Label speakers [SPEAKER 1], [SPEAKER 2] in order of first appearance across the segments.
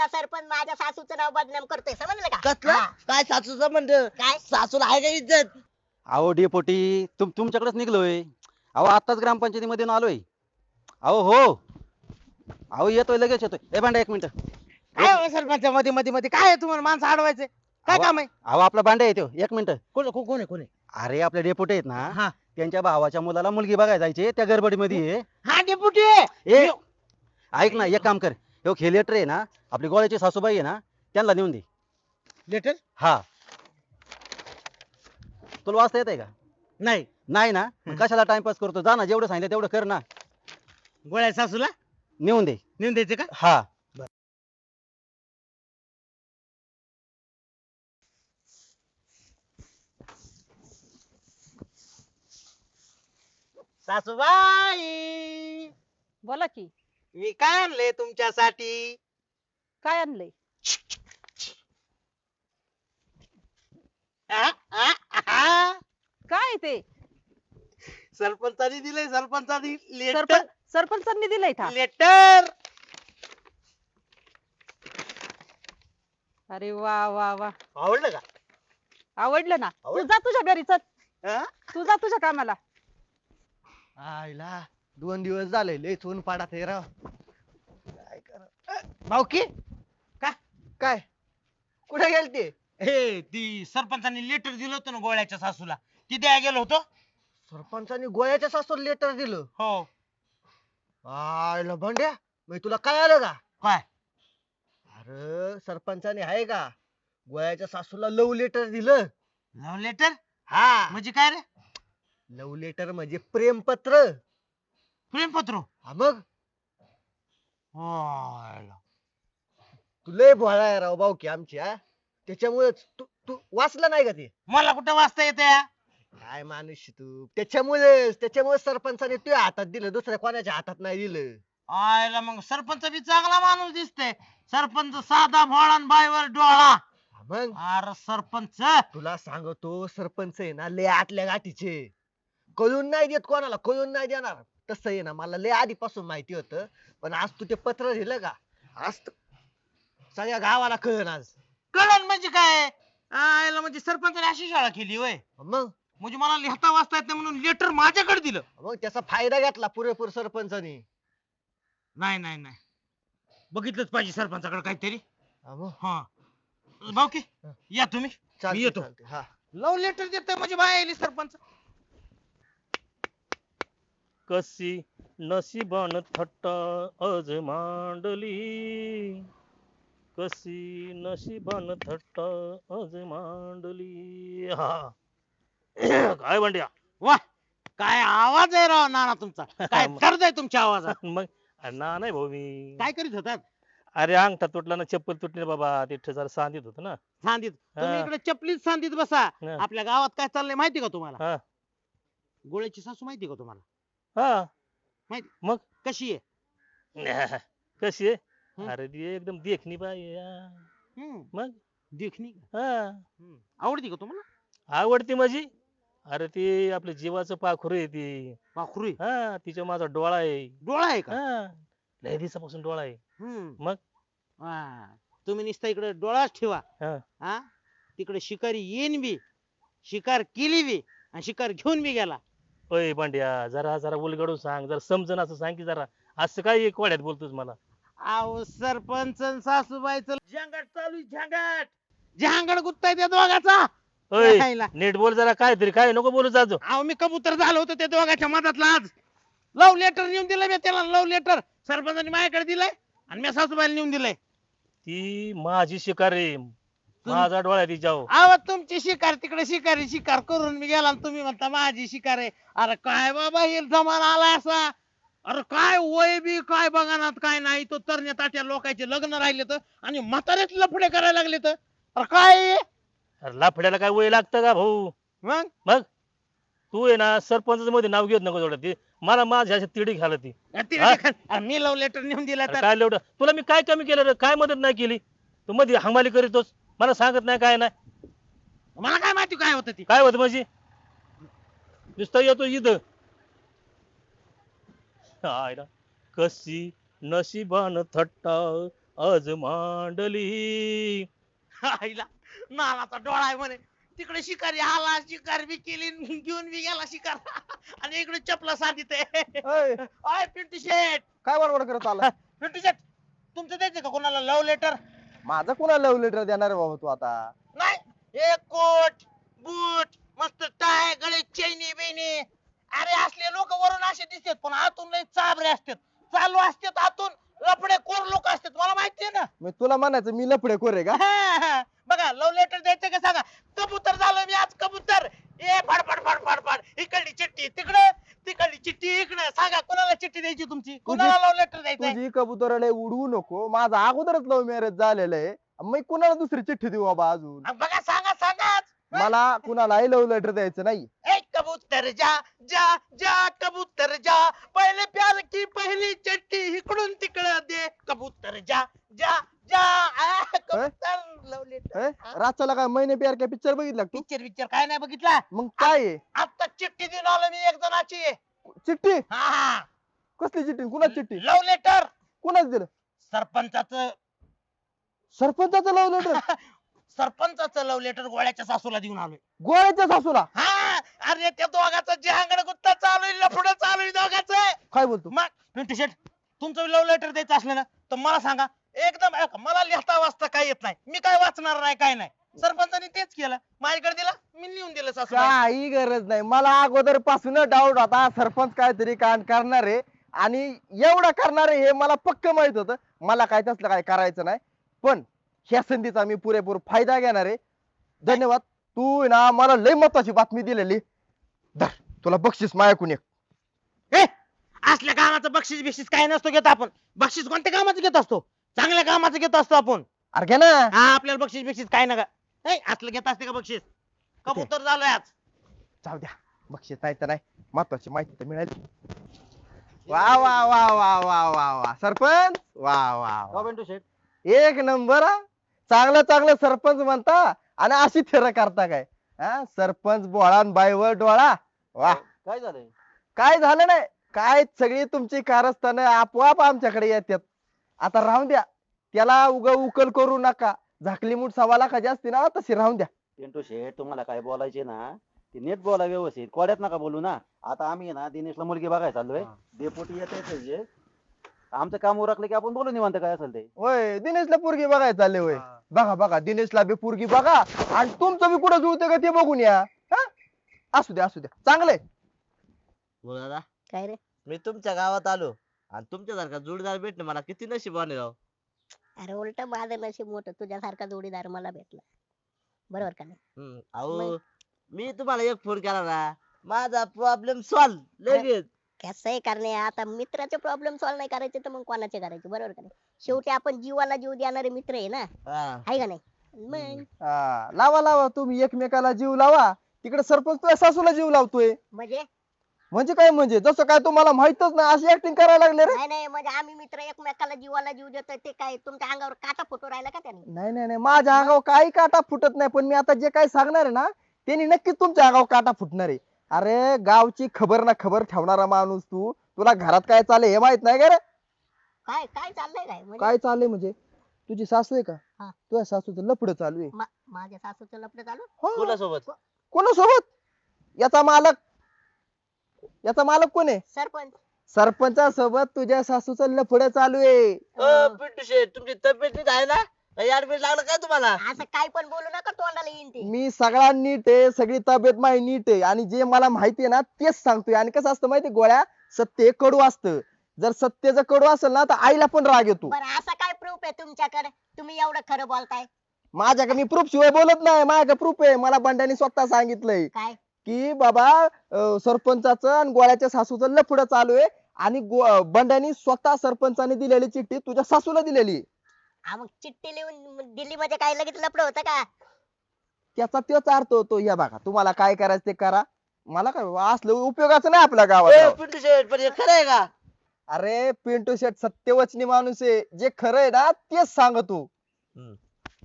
[SPEAKER 1] तुझा सरपंच माझ्या सासूचं नाव बदनाम करतोय, समजलं का?
[SPEAKER 2] कसलं
[SPEAKER 1] हा.
[SPEAKER 2] काय सासूचं म्हणलं
[SPEAKER 1] काय?
[SPEAKER 2] सासूला आहे का इज्जत?
[SPEAKER 3] अहो डेपोटी तुमच्याकडेच निघलोय. अहो आत्ताच ग्रामपंचायतीमध्ये आलोय. अहो हो, अहो येतोय लगेच येतोय. ए भांडा एक मिनिट.
[SPEAKER 4] काय हो सरपंच मध्ये मध्ये मध्ये काय आहे तुम्हाला माणसं अडवायचे काय काम आहे?
[SPEAKER 3] अहो आपला भांडा येतो एक मिनिट.
[SPEAKER 4] कोण आहे?
[SPEAKER 3] अरे आपले डेपोटी आहेत ना,
[SPEAKER 4] हा
[SPEAKER 3] त्यांच्या भावाच्या मुलाला मुलगी बघायला जायची, त्या गडबडीमध्ये आहे.
[SPEAKER 4] हा डेपुटी
[SPEAKER 3] ए ऐक ना, एक काम कर, हो लेटर आहे ना, आपली गोळ्याची सासूबाई आहे ना, त्यांना नेऊन दे.
[SPEAKER 4] लेटर
[SPEAKER 3] हा, तुला वाचता येत आहे का?
[SPEAKER 4] नाही.
[SPEAKER 3] नाही ना, मग कशाला टाइमपास करतो? जा ना, जेवढं सांगितलं तेवढं कर ना.
[SPEAKER 4] गोळ्या सासूला
[SPEAKER 3] नेऊन दे.
[SPEAKER 4] नेऊन द्यायचे का?
[SPEAKER 3] हा.
[SPEAKER 4] सासूबाई
[SPEAKER 5] बोला की.
[SPEAKER 4] मी काय आणले तुमच्यासाठी?
[SPEAKER 5] काय आणलंय?
[SPEAKER 4] आ, आ, आ.
[SPEAKER 5] काय ते?
[SPEAKER 4] सरपंचानी दिलंय सरपंचानी लेटर
[SPEAKER 5] सरपंचांनी दिलंय का?
[SPEAKER 4] लेटर.
[SPEAKER 5] अरे वा वा वा,
[SPEAKER 4] आवडलं का?
[SPEAKER 5] आवडलं ना. तू
[SPEAKER 4] आवडलं?
[SPEAKER 5] जा तुझ्या घरी, चल.
[SPEAKER 4] आ?
[SPEAKER 5] तू जा तुझ्या कामाला.
[SPEAKER 2] आईला 2 दिवस झाले लय ऊन पाडात हे राव. काय करा
[SPEAKER 4] भाऊकी
[SPEAKER 2] काय कुठे गेलते?
[SPEAKER 4] हे ती सरपंचानी लेटर दिलं होतं ना गोळ्याच्या सासूला, ती द्यायला गेलो होतो.
[SPEAKER 2] सरपंचानी गोळ्याच्या सासूला लेटर दिलं?
[SPEAKER 4] हो.
[SPEAKER 2] आईला भांड्या मग तुला काय आलं का?
[SPEAKER 4] काय?
[SPEAKER 2] अरे सरपंचाने आहे का गोळ्याच्या सासूला लव्ह लेटर दिलं?
[SPEAKER 4] लव्ह लेटर
[SPEAKER 2] हा
[SPEAKER 4] म्हणजे काय रे?
[SPEAKER 2] लव्ह लेटर म्हणजे प्रेमपत्र.
[SPEAKER 4] प्रेमपत्र.
[SPEAKER 2] हा मग
[SPEAKER 4] हायला.
[SPEAKER 2] तू लय भोळा आहे राव भाऊ की आमची. हा त्याच्यामुळेच तू तू वाचलं नाही का ते?
[SPEAKER 4] मला कुठं वाचता येते?
[SPEAKER 2] काय माणूस तू. त्याच्यामुळे सरपंचाने तुझ्या हातात दिलं, दुसऱ्या कोणाच्या हातात नाही दिलं.
[SPEAKER 4] आयला मग सरपंच बी चांगला माणूस दिसतोय. सरपंच साधा भोळा आणि बाईवर डोळा.
[SPEAKER 2] हा मग
[SPEAKER 4] अरे सरपंच
[SPEAKER 2] तुला सांगतो सरपंच आहे ना लय आतल्या गाठीचे. कळून नाही देत कोणाला, कळून नाही देणार. तसं आहे ना मला लय आधीपासून माहिती होतं, पण आज तू ते पत्र दिलं का, आज सगळ्या गावाला कळन आज.
[SPEAKER 4] कळण म्हणजे काय? आयला म्हणजे सरपंचाने अशी शाळा केली होय?
[SPEAKER 2] मग
[SPEAKER 4] म्हणजे मला लिहिता वाचता येत नाही म्हणून लेटर माझ्याकडे दिलं?
[SPEAKER 2] मग त्याचा फायदा घेतला पुरेपूर सरपंचानी.
[SPEAKER 4] नाही नाही नाही, बघितलंच पाहिजे सरपंचाकडे काहीतरी.
[SPEAKER 2] हा मग.
[SPEAKER 4] हा भाऊकी या तुम्ही.
[SPEAKER 2] चालतंय,
[SPEAKER 4] मी येतो.
[SPEAKER 2] चालतंय. हा
[SPEAKER 4] लव्ह लेटर देतोय म्हणजे बाय आली सरपंच.
[SPEAKER 6] कशी नशिबान थट्टा आज मांडली, कशी नशिबान थट्टा आज मांडली. हा काय भांड्या?
[SPEAKER 4] वा, काय आवाज आहे राव नाना तुमचा. काय दर्द आहे तुमच्या आवाजात.
[SPEAKER 6] मग ना नाही भाऊ मी
[SPEAKER 4] काय करीत होतात?
[SPEAKER 6] अरे अंगठा तुटला ना, चप्पल तुटली ना बाबा, तिथे जरा सांधित होत ना.
[SPEAKER 4] सांदीत तुम्ही
[SPEAKER 6] हा.
[SPEAKER 4] इकडे चपलीत सांदीत बसा.
[SPEAKER 6] हा.
[SPEAKER 4] आपल्या गावात काय चाललंय माहिती का तुम्हाला?
[SPEAKER 6] हा
[SPEAKER 4] गोळ्याची सासू माहिती का तुम्हाला?
[SPEAKER 6] हा
[SPEAKER 4] माहिती?
[SPEAKER 6] मग
[SPEAKER 4] कशी आहे?
[SPEAKER 6] कशी आहे?
[SPEAKER 4] हं.
[SPEAKER 6] अरे ती एकदम देखणी बाई मग
[SPEAKER 4] देखणी का?
[SPEAKER 6] हा
[SPEAKER 4] आवडती का तुम्हाला?
[SPEAKER 6] आवडती माझी. अरे ती आपल्या जीवाचं पाखरू आहे ती.
[SPEAKER 4] पाखरू आहे?
[SPEAKER 6] हा तिच्या माझा डोळा आहे.
[SPEAKER 4] डोळा आहे का?
[SPEAKER 6] हा लय दिवसापासून डोळा आहे. मग?
[SPEAKER 4] हा. तुम्ही नुसता इकडे डोळाच ठेवा.
[SPEAKER 6] हा.
[SPEAKER 4] हा तिकडे शिकारी येईन बी, शिकार केली बी आणि शिकार घेऊन बी गेला.
[SPEAKER 6] ओय पांड्या जरा जरा उलगडून सांग, जरा समजन असं सांग की जरा. असं काय कोड्यात बोलतोस मला?
[SPEAKER 4] अहो सरपंच आणि सासूबाईचं झंगाट चालू आहे, झंगाट. झंगाट गुत्ताय त्या दोघाचा.
[SPEAKER 6] ओय
[SPEAKER 4] राहिला.
[SPEAKER 6] नीट बोल जरा, काय तरी काय नको बोलू जाजो.
[SPEAKER 4] अहो मी कबूतर झालो होतो त्या दोघांच्या मधातला आज. लव्ह लेटर नेऊन दिलंय मी त्याला. लव्ह लेटर सरपंचाने माझ्याकडे दिलंय आणि मी सासूबाईला नेऊन दिलंय.
[SPEAKER 6] ती माझी शिकार आहे, माझा डोळा आहे तिच्यावर.
[SPEAKER 4] अहो तुमची शिकार तिकडे शिकारी शिकार करून मी गेला आणि तुम्ही म्हणता माझी शिकार आहे. अरे काय बाबा हे जमाना आलाय असा. अरे काय वय बी काय बघानात काय नाही. तो तरण्या ताट्या लोकांचे लग्न राहिले तर आणि म्हातारेच लफडे करायला लागले तर. अरे काय हे?
[SPEAKER 6] अरे लाफड्याला काय वय लागतं का भाऊ?
[SPEAKER 4] मग
[SPEAKER 6] मग तू आहे ना सरपंच मध्ये नाव घेत नको थोडं. ती मला माझ्या अशी तिडी घालत ती.
[SPEAKER 4] अरे मी लव्ह लेटर नेऊन दिला
[SPEAKER 6] अरे
[SPEAKER 4] तर
[SPEAKER 6] काय एवढं तुला मी काय कमी केलं रे? काय मदत नाही केली? तू मध्ये हंगाली करीतोस, मला सांगत नाही काय नाही.
[SPEAKER 4] मला काय माहिती काय होतं ती.
[SPEAKER 6] काय होत म्हणजे? नुसतं येतो इथं. हाय ना, कशी नशिबान थट्टा आज मांडली.
[SPEAKER 4] आईला नानाचा डोळा आहे म्हणे. तिकडे शिकारी आला, शिकार बी केली, घेऊन बी गेला शिकार. आणि इकडे चपला साधित
[SPEAKER 7] अय,
[SPEAKER 4] आहे पिंटू शेट.
[SPEAKER 7] काय बडबड करत आला
[SPEAKER 4] पिंटू शेट तुमचं द्यायचं का कोणाला लव्ह लेटर?
[SPEAKER 7] माझं कोणाला लव्ह लेटर देणार आहे बाबा तू आता?
[SPEAKER 4] नाही एक कोट बूट मस्त टाय गळे चैनी बिनी. अरे असले लोक वरून असे दिसतात पण आतून लय चाबरे असतात, चालू असतात आतून लपडे कोर लोक असतात, मला माहितीये ना.
[SPEAKER 7] मी तुला म्हणायचं मी लफडे खोरे का?
[SPEAKER 4] बघा लव्ह लेटर द्यायचं का सांगा. कबूतर झालो मी आज कबूतर. ए फडफड फडफड फड इकडली चिठ्ठी तिकडे, तिकडली चिठ्ठी इकडे. सांगा कोणाला चिठ्ठी द्यायची तुमची, कोणाला लव्ह लेटर द्यायचंय?
[SPEAKER 7] तुझी कबुतराला उडवू नको. माझं अगोदरच लव्ह मॅरेज झालेलं आहे. मी कुणाला दुसरी चिठ्ठी देऊ बाबा अजून?
[SPEAKER 4] बघा सांगा सांगा.
[SPEAKER 7] मला कुणालाही लव्ह लेटर द्यायचं नाही.
[SPEAKER 4] ए कबूतर जा जा जा कबूतर जा, पहले प्यार की पहली चिट्ठी इकडून तिकडे दे. कबूतर जा जा जा. कबूतर लव्ह लेटर.
[SPEAKER 7] रातच्याला काय महिने प्यार काय पिक्चर बघितला का तू?
[SPEAKER 4] पिक्चर पिक्चर काय नाही बघितला.
[SPEAKER 7] मग काय आहे?
[SPEAKER 4] आता चिठ्ठी देऊन आलो मी एक जणाची.
[SPEAKER 7] चिठ्ठी?
[SPEAKER 4] हा
[SPEAKER 7] कसली चिठ्ठी? कुणाची चिठ्ठी?
[SPEAKER 4] Love letter.
[SPEAKER 7] कुणाच दिलं?
[SPEAKER 4] सरपंचाचं.
[SPEAKER 7] सरपंचाचं लव्ह लेटर?
[SPEAKER 4] सरपंचाचं लव्ह लेटर गोळ्याच्या सासूला देऊन आलोय.
[SPEAKER 7] गोळ्याच्या सासूला?
[SPEAKER 4] हा अरे त्या दोघांचं जहांगड गुत्ता चालू आहे, लफडं चालू आहे दोघांचं.
[SPEAKER 7] काय बोलतो?
[SPEAKER 4] मग पिंटू शेट तुमचं लव्ह लेटर द्यायचं असलं ना तर मला सांगा. एकदम मला लिहिता वाचता काय येत नाही, मी काय वाचणार नाही काय नाही. सरपंचाने तेच केलं, माझ्याकडे दिलं मी लिहून दिलं सासूला.
[SPEAKER 7] काही गरज नाही. मला अगोदर पासून डाऊट होता सरपंच काहीतरी कांड करणार आहे आणि एवढं करणार आहे हे मला पक्क माहित होतं. मला काय तसलं काय करायचं नाही. पण ह्या संधीचा मी पुरेपूर फायदा घेणार आहे. धन्यवाद. तू आहे ना मला लय महत्वाची बातमी दिलेली. धर तुला बक्षीस माझ्याकडून एक.
[SPEAKER 4] ए असल्या कामाचं बक्षीस बिक्षीस काय नसतो घेत आपण. बक्षीस कोणत्या कामाचं घेत असतो? चांगल्या कामाचं घेत असतो आपण.
[SPEAKER 7] अरे घे ना.
[SPEAKER 4] हा आपल्याला बक्षीस बिक्षीस काय नका. असलं घेत असते का बक्षीस? कबूतर झालोय आज.
[SPEAKER 7] जाऊ द्या. बक्षीस नाही तर नाही, महत्वाची माहिती तर मिळाली. वा वा वा वा वा वा वा सरपंच वा वा वा.
[SPEAKER 3] का पिंटू शेट?
[SPEAKER 7] एक नंबर हा. चांगलं चांगलं सरपंच म्हणता आणि अशी थेर करता काय? हा सरपंच बोळा बाईवर डोळा. वा.
[SPEAKER 3] काय झालंय?
[SPEAKER 7] काय झालं नाही काय, सगळी तुमची कारस्थानं आपोआप आमच्याकडे येतात. आता राहून द्या. त्याला उकल करू नका. झाकली मूठ 1.25 लाखाची असते ना तशी राहून द्या.
[SPEAKER 3] पिंटू शेट तुम्हाला काय बोलायचे ना ते नीट बोला व्यवस्थित, कोड्यात नका बोलू ना. आता आम्ही आहे ना दिनेशला मुलगी बघायला चाललोय. डेपोटी येत जे आमचं काम उरकलं की आपण बोलू निवांत काय असेल ते.
[SPEAKER 7] होय दिनेशला पोरगी बघायला चालले होय. बघा बघा दिनेशला बी पोरगी बघा आणि तुमचं बी कुठं जुळतं का ते बघून या. हा? असू द्या असू द्या चांगलंय.
[SPEAKER 8] बोल दादा,
[SPEAKER 1] काय रे?
[SPEAKER 8] मी तुमच्या गावात आलो आणि तुमच्यासारखा जोडीदार भेटणं मला किती नशिबाने राव.
[SPEAKER 1] अरे उलट माझं नशीब मोठं, तुझ्यासारखा जोडीदार मला भेटला. बरोबर का नाही?
[SPEAKER 8] अहो
[SPEAKER 1] मग?
[SPEAKER 8] मी तुम्हाला एक फोन केला ना, माझा प्रॉब्लेम सॉल्व लगेच.
[SPEAKER 1] कसं आहे करणे, आता मित्राचे प्रॉब्लेम सॉल्व्ह नाही करायचे तर मग कोणाचे करायचे? बरोबर का नाही? शेवटी आपण जीवाला जीव देणारे मित्र आहे ना,
[SPEAKER 8] हा.
[SPEAKER 1] आहे का नाही? मग
[SPEAKER 7] हा, लावा लावा तुम्ही एकमेकाला जीव लावा. तिकडे सरपंच तुझ्या सासूला जीव लावतोय. म्हणजे काय म्हणजे जसं काय तुम्हाला माहितच नाही अशी ऍक्टिंग करायला लागले रे.
[SPEAKER 1] नाही नाही, म्हणजे आम्ही मित्र एकमेकाला जीवाला जीव देतोय ते काय तुमच्या अंगावर काटा फुटू राहिला का त्याने?
[SPEAKER 7] नाही नाही नाही माझ्या अंगावर काही काटा फुटत नाही. पण मी आता जे काही सांगणार आहे ना त्यांनी नक्कीच तुमच्या अंगावर काटा फुटणार आहे. अरे गावची खबर ना खबर ठेवणारा माणूस तू, तुला घरात काय चाललंय हे माहित नाही का रे?
[SPEAKER 1] काय काय चाललंय काय म्हणजे?
[SPEAKER 7] काय चाललंय म्हणजे तुझी सासू आहे का?
[SPEAKER 1] हा.
[SPEAKER 7] तुझ्या सासूचं लफडं चालू आहे.
[SPEAKER 1] माझ्या सासूचं लफडं चालू?
[SPEAKER 7] हो.
[SPEAKER 8] कोणासोबत?
[SPEAKER 7] कोणासोबत? याचा मालक कोण आहे?
[SPEAKER 1] सरपंच.
[SPEAKER 7] सरपंचासोबत तुझ्या सासूचं लफडं चालू आहे.
[SPEAKER 8] पिंटू शेट तुमची तब्येत नीट आहे ना? काही ऍडमिट लागलं काय तुम्हाला?
[SPEAKER 1] असं काय पण बोलू नका, तोंडाला येईन ते.
[SPEAKER 7] मी सगळा नीट आहे, सगळी तब्येत माझी नीट आहे आणि जे मला माहिती आहे ना तेच सांगतोय. आणि कसं असतं माहिती गोळ्या, सत्य हे कडू असतं. जर सत्य जर कडू असेल ना तर आईला पण राग येतो.
[SPEAKER 1] बरं असं काय प्रूफ आहे तुमच्याकडे तुम्ही एवढं खरं बोलताय?
[SPEAKER 7] माझ्याकडे मी प्रूफ शिवाय बोलत नाही. माझ्याकडे प्रूफ आहे. मला बंड्याने स्वतः सांगितलंय
[SPEAKER 1] काय?
[SPEAKER 7] की बाबा सरपंचाचं आणि गोळ्याच्या सासूचं लफडं चालू आहे आणि बंड्याने स्वतः सरपंचाने दिलेली चिठ्ठी तुझ्या सासूला दिलेली.
[SPEAKER 1] हा मग चिठ्ठी लिहून दिल्ली मध्ये काय लगेच लफडं होतं का?
[SPEAKER 7] त्याचा तोच अर्थ होतो. या बघा तुम्हाला काय करायचं ते करा. मला काय असलं उपयोगाचं नाही आपल्या गावात.
[SPEAKER 8] पिंटू शेट पण हे खरं आहे का?
[SPEAKER 7] अरे पिंटू शेट सत्यवचनी माणूस आहे. जे खरं आहे ना तेच सांगतो.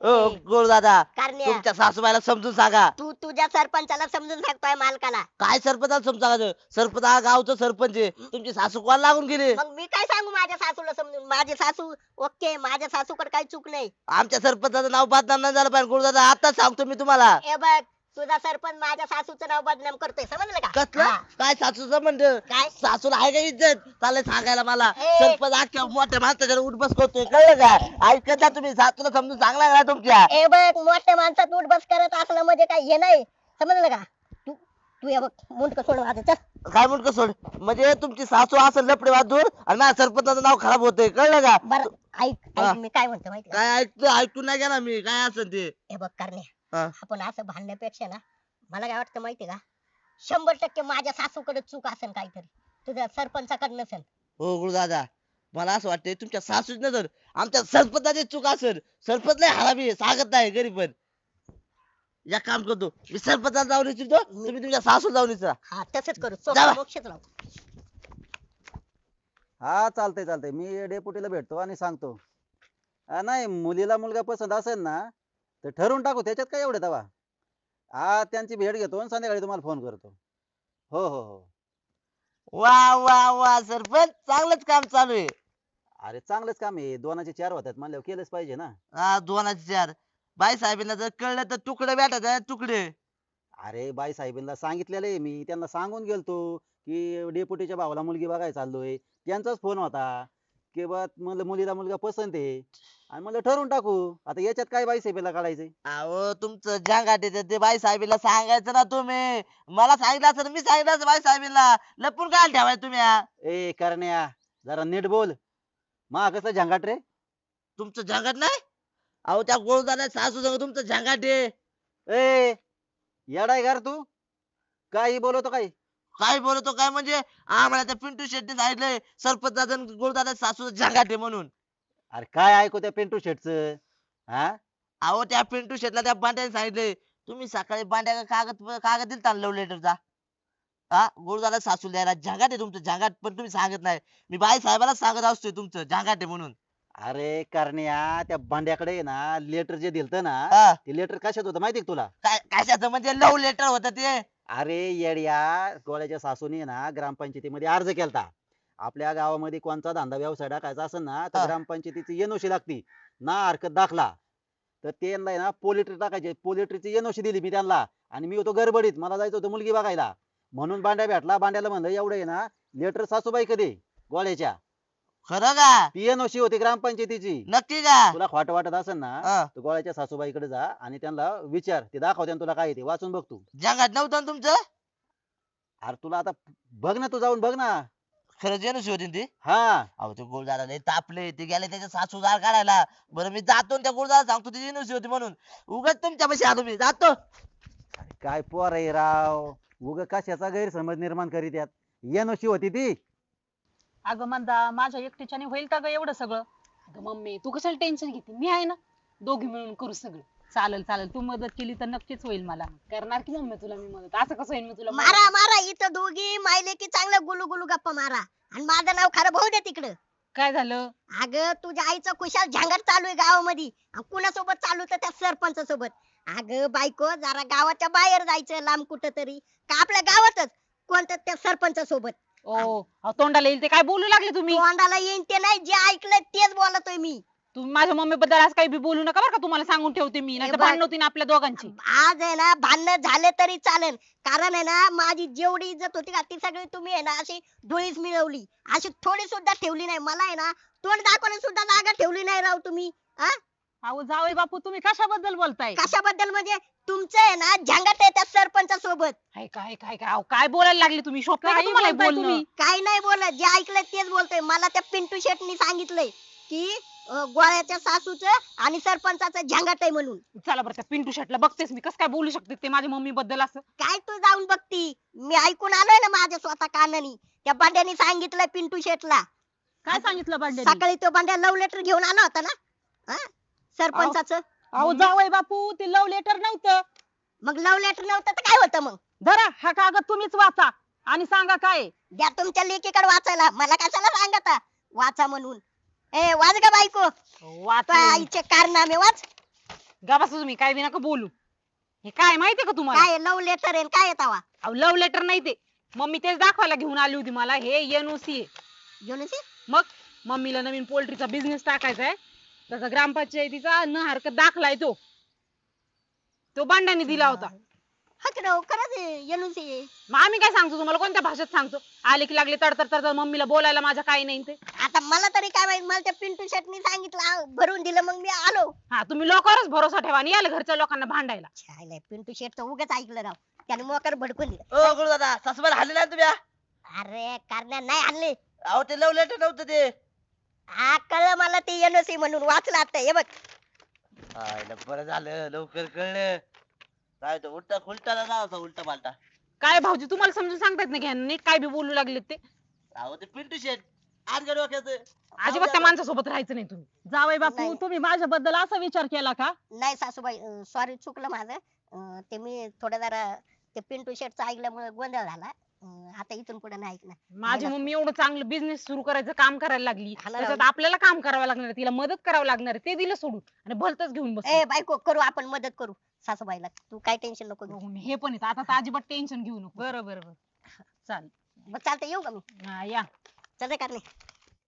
[SPEAKER 8] गोड दादा
[SPEAKER 1] कारण्या
[SPEAKER 8] तुमच्या सासूबाईला समजून सांगा.
[SPEAKER 1] तू तुझ्या सरपंचाला समजून सांगतोय मालकाला.
[SPEAKER 8] काय सरपंचाला समजून सांगायचं? सरपंच हा गावचं सरपंच आहे. तुमची सासू कोण लागून गेली?
[SPEAKER 1] मग मी काय सांगू माझ्या सासूला समजून? माझी सासू ओके, माझ्या सासूकडे काही चूक नाही.
[SPEAKER 8] आमच्या सरपंचाचं नाव बदनाम नाही झालं पाहिजे. गोड दादा आता सांगतो मी तुम्हाला.
[SPEAKER 1] हे बघ, तुझा सरपंच माझ्या सासूचं नाव बदनाम करतोय, समजलं का?
[SPEAKER 8] कसलं
[SPEAKER 1] हा.
[SPEAKER 8] काय सासूचं म्हणतं?
[SPEAKER 1] काय?
[SPEAKER 8] सासूला आहे का इज्जत? चाललंय सांगायला मला.
[SPEAKER 1] ए.
[SPEAKER 8] सरपंच अख्ख्या मोठ्या माणसाच्या उठबस करतोय, कळलं का? ऐकत जा तुम्ही. सासूला समजून सांगला का तुमच्या?
[SPEAKER 1] हे बघ, मोठ्या माणसात उठ बस करत असलं म्हणजे काय हे नाही, समजलं का? तू तू हे बघ, मुंडक सोड माझं, चल.
[SPEAKER 8] काय म्हणतो सोड? म्हणजे तुमची सासू असं लपडे वाजून आणि माझ्या सरपंचाचं नाव खराब होतंय, कळलं का?
[SPEAKER 1] बरं ऐक
[SPEAKER 8] हा.
[SPEAKER 1] ऐक, मी काय म्हणतो माहिती का?
[SPEAKER 8] काय ऐकून नाही गेला मी, काय असं ते.
[SPEAKER 1] हे बघ करणे,
[SPEAKER 8] हा.
[SPEAKER 1] आपण असं भांडण्यापेक्षा ना, मला काय वाटतं माहिती का, 100% माझ्या सासूकडे चूक असेल काहीतरी, तुझ्या सरपंचाकडे नसेल.
[SPEAKER 8] हो गुरुदादा, मला असं वाटतंय तुमच्या सासूच नजर आमच्या सरपंचाची चूक असेल. सरपंच लय हरामी आहे, सांगत नाही घरी पण. या काम करतो मी, सरपंचाला जाऊन विचारतो, तुम्ही तुमच्या सासूला जाऊन विचारा.
[SPEAKER 1] हा तसंच करू,
[SPEAKER 8] जावा.
[SPEAKER 1] मोक्षच लावू.
[SPEAKER 3] हा चालतंय चालतंय, मी डेपुटीला भेटतो आणि सांगतो. नाही, मुलीला मुलगा पसंत असेल ना तर ठरवून टाकू, त्याच्यात काय एवढे दवा. हा त्यांची भेट घेतो आणि संध्याकाळी तुम्हाला फोन करतो. हो हो हो.
[SPEAKER 8] वा वा वा सरपंच, चांगलंच काम चालू आहे.
[SPEAKER 3] अरे चांगलंच काम आहे, 2चे 4 होतात म्हणल्यावर केलंच पाहिजे ना.
[SPEAKER 8] हा 2चे 4. बाई साहेबांना जर कळलं तर तुकडे भेटायचं, तुकडे.
[SPEAKER 3] अरे बाई साहेबांना सांगितलेलं आहे, मी त्यांना सांगून गेलतो की डेपुटीच्या भावाला मुलगी बघायला चाललोय. त्यांचाच फोन होता की बा म्हणलं मुलीला मुलगा पसंत आहे आणि म्हणलं ठरवून टाकू. आता याच्यात काय बाई साहेबाला काढायचंय?
[SPEAKER 8] अहो तुमचं जंगाट येतं ते बाई साहेबीला सांगायचं ना तुम्ही. मला सांगितलं असं मी सांगितलं असं बाई साहेबीला. लपून काय ठेवाय तुम्ही हा?
[SPEAKER 3] ए करण्या, जरा नीट बोल. मा कसलं झंगाट रे?
[SPEAKER 8] तुमचं जंगाट नाही? अहो त्या गोळदाना सासू संग तुमचं जंगाट आहे.
[SPEAKER 3] ए येडाय घर तू, काही बोलतो काही?
[SPEAKER 8] काय बोलतो काय म्हणजे? आम्हाला त्या पिंटू शेट्टी सांगितलंय सरपंच गोळदाना सासू जंगाट आहे म्हणून.
[SPEAKER 3] अरे काय ऐकू त्या पिंटू शेटच? हा
[SPEAKER 8] अहो त्या पिंटू शेटला त्या बांड्याने सांगितलंय तुम्ही सकाळी बांड्या कागद दिलता लव्ह लेटरचा. हा गोळदाना सासू द्यायला जंगाट आहे तुमचं जंगाट, पण तुम्ही सांगत नाही. मी बाई साहेबाला सांगत असतोय तुमचं जंगाट आहे म्हणून.
[SPEAKER 3] अरे करण्या, त्या भांड्याकडे ना लेटर जे दिलत ना,
[SPEAKER 8] हा.
[SPEAKER 3] ते लेटर कशात होतं माहिती का तुला?
[SPEAKER 8] काय कशाचं म्हणजे लव्ह लेटर होतं ते?
[SPEAKER 3] अरे येड्या, गोळ्याच्या सासूने ना ग्रामपंचायतीमध्ये अर्ज केलता. आपल्या गावामध्ये कोणता धंदा व्यवसाय टाकायचा असेल ना तर
[SPEAKER 8] हा.
[SPEAKER 3] ग्रामपंचायतीची एनओसी लागती ना, हरकत दाखला. तर त्यांना आहे ना पोलिट्री टाकायचे, पोलिट्रीची एनओसी दिली मी त्यांना. आणि मी होतो गडबडीत, मला जायचं होतं मुलगी बघायला, म्हणून बांड्या भेटला. बांड्याला म्हणलं एवढं आहे ना लेटर सासूबाई कधी गोळ्याच्या,
[SPEAKER 8] खरं का?
[SPEAKER 3] ती एनओसी होती ग्रामपंचायतीची.
[SPEAKER 8] नक्की का?
[SPEAKER 3] तुला खोटं वाटत असेल ना
[SPEAKER 8] हा.
[SPEAKER 3] तर गोळ्याच्या सासूबाईकडे जा आणि त्यांना विचार, ते दाखवते तुला काय ते वाचून बघ तू.
[SPEAKER 8] जंगाट नव्हतं ना तुमचं?
[SPEAKER 3] अरे तुला आता बघ ना, तू जाऊन बघ ना.
[SPEAKER 8] खरं जेनशी होती ना ती?
[SPEAKER 3] हा
[SPEAKER 8] अहो ते गोळदारा लय तापले, ते गेले त्याच्या सासू दार काढायला. बरं मी जातो आणि त्या गोळदारा सांगतो ती जेनशी होती म्हणून. उगाच तुमच्या पाशी आलो मी, जातो.
[SPEAKER 3] काय पोर आहे राव, उग कशाचा गैरसमज निर्माण करीत यात. एनओसी होती ती.
[SPEAKER 5] अगं मंदा, माझ्या एकटीच्याने होईल का ग एवढं सगळं?
[SPEAKER 9] अगं मम्मी तू कशाला टेन्शन घेते, मी आहे ना, दोघी मिळून करू सगळं.
[SPEAKER 5] चालेल चालेल, तू मदत केली तर नक्कीच होईल मला.
[SPEAKER 9] करणार की मम्मी तुला मी मदत, असं कसं होईल मी तुला मदत?
[SPEAKER 1] मारा मारा, इथं दोघी मायले की चांगलं गुलू गुलू गप्पा मारा, आणि माझं नाव खराब होऊ दे तिकडं.
[SPEAKER 5] काय झालं?
[SPEAKER 1] अगं तुझ्या आईचं खुशाल झांगड चालू आहे गावामध्ये, आणि कुणासोबत चालू तर त्या सरपंच सोबत. अगं बायको, जरा गावाच्या बाहेर जायचं लांब कुठं तरी, का आपल्या गावातच कोणतं त्या सरपंच सोबत.
[SPEAKER 5] ओ अहो, तोंडाला येईल ते काय बोलू लागले तुम्ही?
[SPEAKER 1] तोंडाला येईन ते नाही, जे ऐकलंय तेच बोलतोय मी.
[SPEAKER 5] तुम्ही माझ्या मम्मी बद्दल असं काही बी बोलू नका बरं का, तुम्हाला सांगून ठेवते मी, नाही
[SPEAKER 1] बघ.
[SPEAKER 5] भांडण होती ना आपल्या दोघांची.
[SPEAKER 1] आज आहे ना भांडण झाले तरी चालेल, कारण आहे ना माझी जेवढी इज्जत होती का ती सगळी तुम्ही आहे ना अशी धुळीस मिळवली, अशी थोडी सुद्धा ठेवली नाही. मला आहे ना तोंड दाखवण्यास सुद्धा जागा ठेवली नाही राव तुम्ही. हा
[SPEAKER 5] अहो जावई बापू, तुम्ही कशाबद्दल बोलताय?
[SPEAKER 1] कशाबद्दल म्हणजे? तुमचं आहे ना झंगाट आहे त्या सरपंच सोबत.
[SPEAKER 5] काय काय काय काय अहो, काय बोलायला लागले तुम्ही? शोभतंय का
[SPEAKER 9] काही
[SPEAKER 5] तुम्हाला हे
[SPEAKER 9] बोलताय
[SPEAKER 5] बोलणं?
[SPEAKER 9] तुम्ही?
[SPEAKER 1] काही नाही बोलत, जे ऐकलंय तेच बोलतोय. मला त्या पिंटू शेटनी सांगितलंय की गोळ्याच्या सासूचं आणि सरपंचाचं झंगाट आहे म्हणून.
[SPEAKER 5] चला बरं, त्या पिंटू शेटला बघतेस मी, कसं काय बोलू शकते ते माझ्या मम्मी बद्दल असं?
[SPEAKER 1] काय तू जाऊन बघती? मी ऐकून आलोय ना माझ्या स्वतः कानानी. त्या बांड्यानी सांगितलंय पिंटू शेटला.
[SPEAKER 5] काय सांगितलं बांड्यानी?
[SPEAKER 1] सकाळी तो बांड्या लव्ह लेटर घेऊन आला होता ना, हा? सरपंचाचं.
[SPEAKER 5] अहो जावई बापू, ते लव्ह लेटर नव्हतं.
[SPEAKER 1] मग लव्ह लेटर नव्हतं तर काय होतं मग?
[SPEAKER 5] धरा हा कागद, तुम्हीच वाचा आणि सांगा काय आहे.
[SPEAKER 1] द्या तुमच्या लेकीकडे वाचायला, मला कशाला सांगता वाचा म्हणून. ए वाच ग बायको,
[SPEAKER 5] वाचा.
[SPEAKER 1] तुझ्या आईचे कारनामे वाच.
[SPEAKER 5] गा बसा तुम्ही काय बी नका बोलू. हे काय माहितीये का तुम्हाला?
[SPEAKER 1] काय लव्ह लेटर आहे काय येतावा
[SPEAKER 5] अहो लव्ह लेटर नाही ते. मम्मी तेच दाखवायला घेऊन आली होती मला. हे एनओसी आहे.
[SPEAKER 1] युनिसी
[SPEAKER 5] मग मम्मीला नवीन पोल्ट्रीचा बिझनेस टाकायचा आहे. त्याचा ग्रामपंचायतीचा न हरकत दाखला आहे तो बांड्याने दिला होता.
[SPEAKER 1] हा की राव खरंच युनिसी
[SPEAKER 5] मग आम्ही काय सांगतो तुम्हाला कोणत्या भाषेत सांगतो? आले की लागले तडतड तडतड मम्मीला बोलायला माझ्या काही नाही ते.
[SPEAKER 1] आता मला तरी काय माहित मला त्या पिंटू शेटनी सांगितलं भरून दिलं मग मी आलो
[SPEAKER 5] हा तुम्ही लोकांवरच भरोसा ठेवा आणि याल घरच्या लोकांना भांडायला.
[SPEAKER 1] छायला पिंटू शेटचं उगाच ऐकलं राव त्याने मोकर भडकून दिलं
[SPEAKER 8] ओ गुरु दादा सासूबाई हल्ले ना तुम्ही हा?
[SPEAKER 1] अरे करण्या नाही आणले
[SPEAKER 8] अहो ते लव लेटर नव्हतं ते.
[SPEAKER 1] हा कळलं मला ते एनओसी म्हणून वाचलं आता हे बघ
[SPEAKER 8] आयला बरं झालं लवकर कळलं. काय तो उलटा खुलटा ना उलटा पालटा.
[SPEAKER 5] काय भाऊजी तुम्हाला समजून सांगतायत ना घ्या नीट काय बी बोलू लागले ते.
[SPEAKER 8] अहो ते पिंटू शेट आज डोक्याचं.
[SPEAKER 5] अजिबात त्या माणसासोबत राहायचं नाही तुम्ही.
[SPEAKER 9] जावई बापू
[SPEAKER 1] नाही.
[SPEAKER 9] तुम्ही माझ्याबद्दल असा विचार केला का?
[SPEAKER 1] नाही सासूबाई सॉरी चुकलं माझं ते मी थोडं जरा ते पिंटू शेटचं ऐकल्यामुळे गोंधळ झाला आता इथून पुढे नाही ऐकणार
[SPEAKER 5] माझी मम्मी एवढं चांगलं बिझनेस सुरू करायचं काम करायला लागली.
[SPEAKER 1] हा ना
[SPEAKER 5] त्याच्यात
[SPEAKER 1] राव.
[SPEAKER 5] आपल्याला काम करावं लागणार आहे, तिला मदत करावं लागणार आहे. ते दिलं सोडून आणि भलतच घेऊन बस.
[SPEAKER 1] ए बायको करू आपण मदत करू सासूबाईला तू काय टेन्शन नको घेऊ
[SPEAKER 5] हे पण येत आता तर अजिबात टेन्शन घेऊ नको. बरं बरं बरं चालेल.
[SPEAKER 1] बरं चालतं येऊ का मी
[SPEAKER 5] हा, या
[SPEAKER 1] चल रे करणे